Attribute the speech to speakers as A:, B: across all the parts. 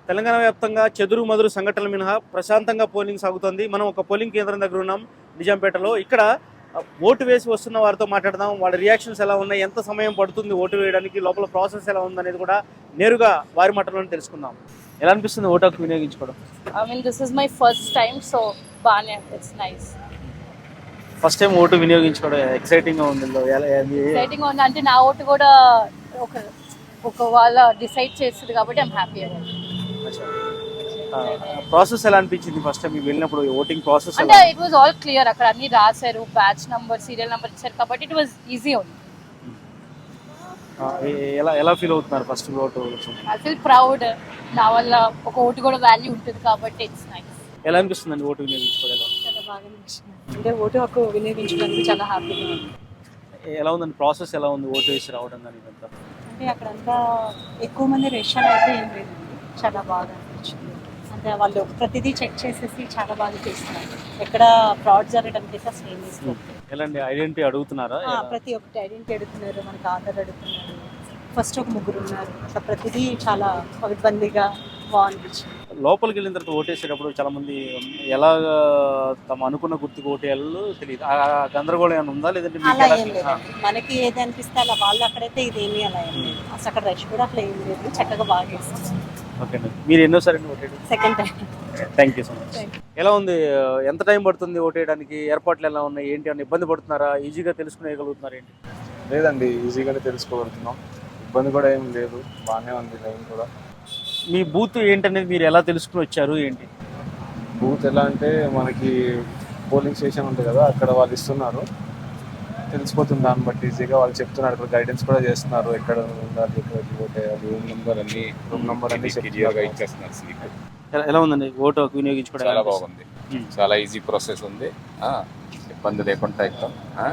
A: తెలంగాణ వ్యాప్తంగా చెదురు మదురు సంఘటనలు మినహా ప్రశాంతంగా పోలింగ్ సాగుతోంది. మనం ఒక పోలింగ్ కేంద్రం దగ్గర ఉన్నాం నిజాంపేటలో. ఇక్కడ ఓటు వేసి వస్తున్న వారితో మాట్లాడదాం. వాళ్ళ రియాక్షన్స్ ఎలా ఉన్నాయి, ఎంత సమయం పడుతుంది ఓటు వేయడానికి, లోపల ప్రాసెస్ ఎలా ఉందనేది కూడా నేరుగా వారి మాటల్లోనే తెలుసుకుందాం. ఎలా అనిపిస్తుంది ఓటు హక్కు వినియోగించుకోవడం?
B: This is my first time, so it's nice.
A: First time ఓటు వినియోగించుకోవడం ఎక్సైటింగ్ గా ఉంది.
B: Exciting ఉంది అంటే నా ఓటు కూడా ఒక వాళ్ళ డిసైడ్ చేస్తుంది కాబట్టి ఐమ్ హ్యాపీ అబౌట్.
A: ప్రాసెస్ ఎలా అనిపించింది ఫస్ట్ టైం మీకు వెళ్ళినప్పుడు? ఓటింగ్ ప్రాసెస్
B: అంటే ఇట్ వాజ్ ఆల్ క్లియర్, అక్కడ అన్ని రాశారు, బ్యాచ్ నంబర్, సీరియల్ నంబర్ ఇచ్చారు కాబట్టి ఇట్ వాజ్ ఈజీ ఓన్లీ.
A: ఎలా ఫీల్ అవుతున్నారు ఫస్ట్ ఓటు?
B: ఐ ఫీల్ ప్రౌడ్, నా వల్ల ఒక ఓటు కూడా వాల్యూ ఉంటుంది కాబట్టి ఇట్స్ నైస్.
A: ఎలా అనిపిస్తుందండి ఓటు వినియోగించుకోవడం?
C: చాలా బాగా అనిపిస్తుంది. అంటే ఓటు హక్కు వినియోగించడానికి చాలా హ్యాపీగా ఉంది.
A: ఎలా ఉందండి ప్రాసెస్? ఎలా ఉంది ఓటు వేసి రావడం కానీ ఇదంతా?
C: అంటే అక్కడంతా ఎక్కువ మంది రేషన్ అయితే ఏం లేదండి, చాలా బాగా అనిపించింది. అంటే వాళ్ళు ప్రతిదీ చెక్ చేసేసి చాలా బాగా చేస్తున్నారు, ఎక్కడ ఫ్రాడ్ జరగడానికి అయితే అసలు ఏం లేదు.
A: ఎలాంటి ఐడెంటిటీ అడుగుతున్నారా?
C: ప్రతి ఒక్కటి ఐడెంటిటీ అడుగుతున్నారు, మనకి ఆధార్ అడుగుతున్నారు, ఫస్ట్ ఒక ముగ్గురు ఉన్నారు, అట్లా ప్రతిదీ చాలా ఇబ్బందిగా బాగుంది.
A: లోపలికి వెళ్ళిన తర్వాత ఓటేసేటప్పుడు చాలా మంది ఎలా తమ అనుకున్న గుర్తుకు ఓటేయాలో తెలియదు. ఆ గందరగోళం ఏమైనా ఉందా లేదంటే
C: అలా ఏం లేదు, మనకి ఏది అనిపిస్తే అలా. వాళ్ళు అక్కడైతే ఇదేమీ అలా ఏం లేదు, అసలు అక్కడ రష్ కూడా అట్లా ఏం లేదు, చక్కగా బాగా చేస్తారు.
A: ఓకే అండి. మీరు ఎన్నోసారి ఓటేయడం?
C: Second time.
A: Thank you so much. ఎలా ఉంది? ఎంత టైం పడుతుంది ఓటేయడానికి? ఏర్పాట్లు ఎలా ఉన్నాయి ఏంటి? అని ఇబ్బంది పడుతున్నారా? ఈజీగా తెలుసుకునేయగలుగుతున్నారు ఏంటి?
D: లేదండి, ఈజీగానే తెలుసుకోగలుగుతున్నాం, ఇబ్బంది కూడా ఏం లేదు, బాగానే ఉంది లైన్ కూడా.
A: మీ బూత్ ఏంటనేది మీరు ఎలా తెలుసుకుని వచ్చారు ఏంటి?
D: బూత్ ఎలా అంటే మనకి పోలింగ్ స్టేషన్ ఉంటుంది కదా, అక్కడ వాళ్ళు ఇస్తున్నారు, తెలిసిపోతుంది దాన్ని బట్టి ఈజీగా. వాళ్ళు చెప్తున్నారు, ఇక్కడ గైడెన్స్ కూడా చేస్తున్నారు, ఎక్కడ ఉండాలి, ఎక్కడ ఓటేయాలి, రూమ్ నెంబర్ అన్ని
E: ఇచ్చేస్తున్నారు.
A: ఎలా ఉందండి ఓటు హక్కు వినియోగించుకోవడం?
E: చాలా బాగుంది, చాలా ఈజీ ప్రాసెస్ ఉంది, ఇబ్బంది లేకుండా ఎక్కుతాం,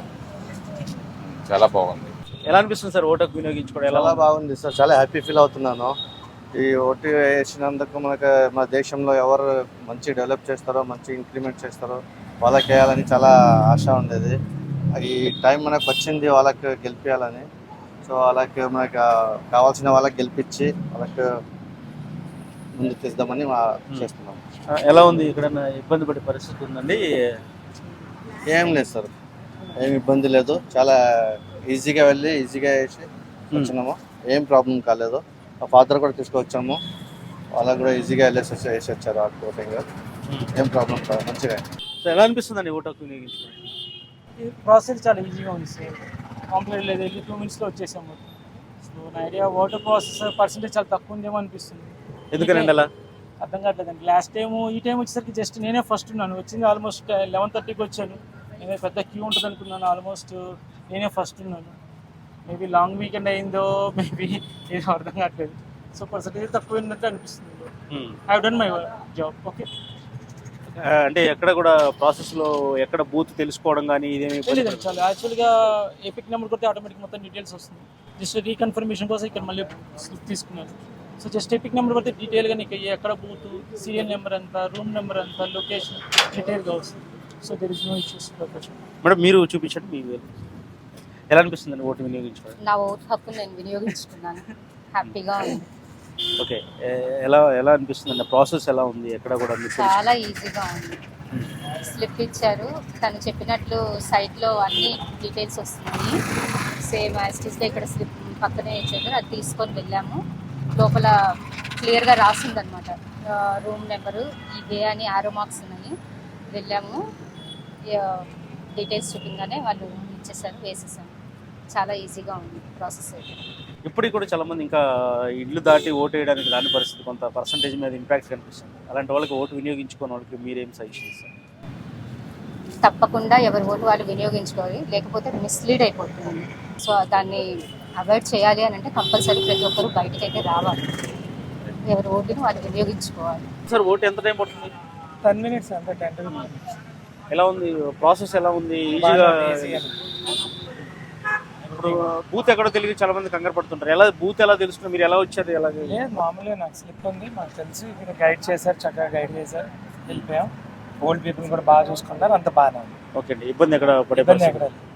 E: చాలా బాగుంది.
A: ఎలా అనిపిస్తుంది సార్ ఓటు హక్కు వినియోగించుకోవడం?
F: చాలా బాగుంది సార్, చాలా హ్యాపీ ఫీల్ అవుతున్నాను. ఈ ఓటు వేసినందుకు మన దేశంలో ఎవరు మంచి డెవలప్ చేస్తారో, మంచి ఇంప్లిమెంట్ చేస్తారో వాళ్ళకి వేయాలని చాలా ఆశ ఉండేది. ఈ టైం మనకు వచ్చింది వాళ్ళకి గెలిపించాలని. సో వాళ్ళకి మనకు కావాల్సిన వాళ్ళకి గెలిపించి వాళ్ళకి ముందుకు తీద్దామని చేస్తున్నాం.
A: ఎలా ఉంది? ఇక్కడ ఇబ్బంది పడే పరిస్థితి ఉందండి?
F: ఏం లేదు సార్, ఏం ఇబ్బంది లేదు, చాలా ఈజీగా వెళ్ళి ఈజీగా వేసి వచ్చినాము, ఏం ప్రాబ్లం కాలేదు. మా ఫాదర్ కూడా తీసుకొచ్చాము, వాళ్ళకి కూడా ఈజీగా వేసి వచ్చారు ఆ ఓటింగ్, ఏం ప్రాబ్లం కాదు, మంచిగా.
A: సో ఎలా అనిపిస్తుందండి ఓటు హక్కు వినియోగించుకోవడం?
G: ఈ ప్రాసెస్ చాలా ఈజీగా ఉంది సార్, కాంప్లీట్ లేదు, వెళ్ళి 2 minutes వచ్చేసాము. సో నా ఐడియా ఓటర్ ప్రాసెస్ పర్సెంటేజ్ చాలా తక్కువ ఉందేమో అనిపిస్తుంది.
A: ఎందుకనండి అలా?
G: అర్థం కావట్లేదండి. లాస్ట్ టైము ఈ టైం వచ్చేసరికి జస్ట్ నేనే ఫస్ట్ ఉన్నాను, వచ్చింది ఆల్మోస్ట్ 11:30కి వచ్చాను. నేనే పెద్ద క్యూ ఉంటుంది అనుకున్నాను, ఆల్మోస్ట్ నేనే ఫస్ట్ ఉన్నాను. మేబీ లాంగ్ వీకెండ్ అయిందో మేబీ ఏదో అర్థం కావట్లేదు. సో పర్సెంటేజ్ తక్కువ ఉన్నట్టు అనిపిస్తుంది. I done my job. Okay,
A: అంటే ఎక్కడ కూడా ప్రాసెస్లో ఎక్కడ బూత్ తెలుసుకోవడం కానీ ఇదేమి
G: లేదండి. చాలా యాక్చువల్గా ఎపిక్ నెంబర్ కొడితే ఆటోమేటిక్ మొత్తం డీటెయిల్స్ వస్తుంది. జస్ట్ రీకన్ఫర్మేషన్ కోసం ఇక్కడ మళ్ళీ స్లిప్ తీసుకున్నాను. సో జస్ట్ ఎపిక్ నెంబర్ కొడితే డీటెయిల్గా నీకు ఎక్కడ బూత్, సీరియల్ నెంబర్ ఎంత, రూమ్ నెంబర్ ఎంత, లొకేషన్ డీటెయిల్గా వస్తుంది. So there is no issues.
A: Madam మీరు చూపించండి మీ ఎలా అనిపిస్తుందండి ఓటు వినియోగించుకోవడం?
B: నా ఓటు హక్కు నేను వినియోగించుకున్నాను, హ్యాపీగా ఉంది.
A: ఓకే, ఎలా అనిపిస్తుందండి? ప్రాసెస్ ఎలా ఉంది? ఎక్కడ కూడా
B: చాలా ఈజీగా ఉంది. స్లిప్ ఇచ్చారు, తను చెప్పినట్లు సైట్లో అన్ని డీటెయిల్స్ వస్తున్నాయి, సేమ్ యాజ్ ఇట్ ఈస్ ఇక్కడ స్లిప్ పక్కనే ఇచ్చారు, అది తీసుకొని వెళ్ళాము. లోపల క్లియర్గా రాసిందనమాట, రూమ్ నెంబరు ఇదే అని ఆరో మార్క్స్ ఉన్నాయి. వెళ్ళాము, డీటెయిల్స్ చూపించగానే వాళ్ళు ఇచ్చేసారు, వేసేసాము. చాలా ఈజీగా ఉంది ప్రాసెస్ అయితే.
A: ఇప్పటికి కూడా చాలా మంది ఇంకా ఇల్లు దాటి ఓటు వేయడానికి రాని పరిస్థితి, కొంత పర్సంటేజ్ మీద ఇంపాక్ట్ కనిపిస్తుంది. అలాంటి వాళ్ళకి ఓటు వినియోగించుకునే వాళ్ళకి మీరేం సజెషన్ ఇస్తారు?
B: తప్పకుండా ఎవరి ఓటు వాళ్ళు వినియోగించుకోవాలి, లేకపోతే మిస్లీడ్ అయిపోతుంది. సో దాన్ని అవాయిడ్ చేయాలి అని అంటే కంపల్సరీ ప్రతి ఒక్కరు బయటకు అయితే రావాలి, ఎవరి ఓటుని వాళ్ళు వినియోగించుకోవాలి.
A: సార్ ఓటు ఎంత టైం పడుతుంది?
G: 10 minutes అంటే 10 to 15 minutes.
A: ఎలా ఉంది ప్రాసెస్? ఎలా ఉంది? ఈజీగా? ఇప్పుడు బూత్ ఎక్కడో తెలియదు, చాలా మంది కంగారు పడుతుంటారు. ఎలా బూత్ ఎలా తెలుసుకున్నారు? మీరు ఎలా వచ్చారు? ఎలా?
G: మామూలుగా నాకు స్లిప్ ఉంది, మాకు తెలుసు, ఇక్కడ గైడ్ చేశారు, చక్కగా గైడ్ చేశారు, వెళ్ళిపోయాం. ఓల్డ్ పీపుల్ కూడా బాగా చూసుకుంటారు, అంత బాగానే ఉంది.
A: ఓకే అండి, ఇబ్బంది ఎక్కడ పడే?
G: ఇబ్బంది ఎక్కడ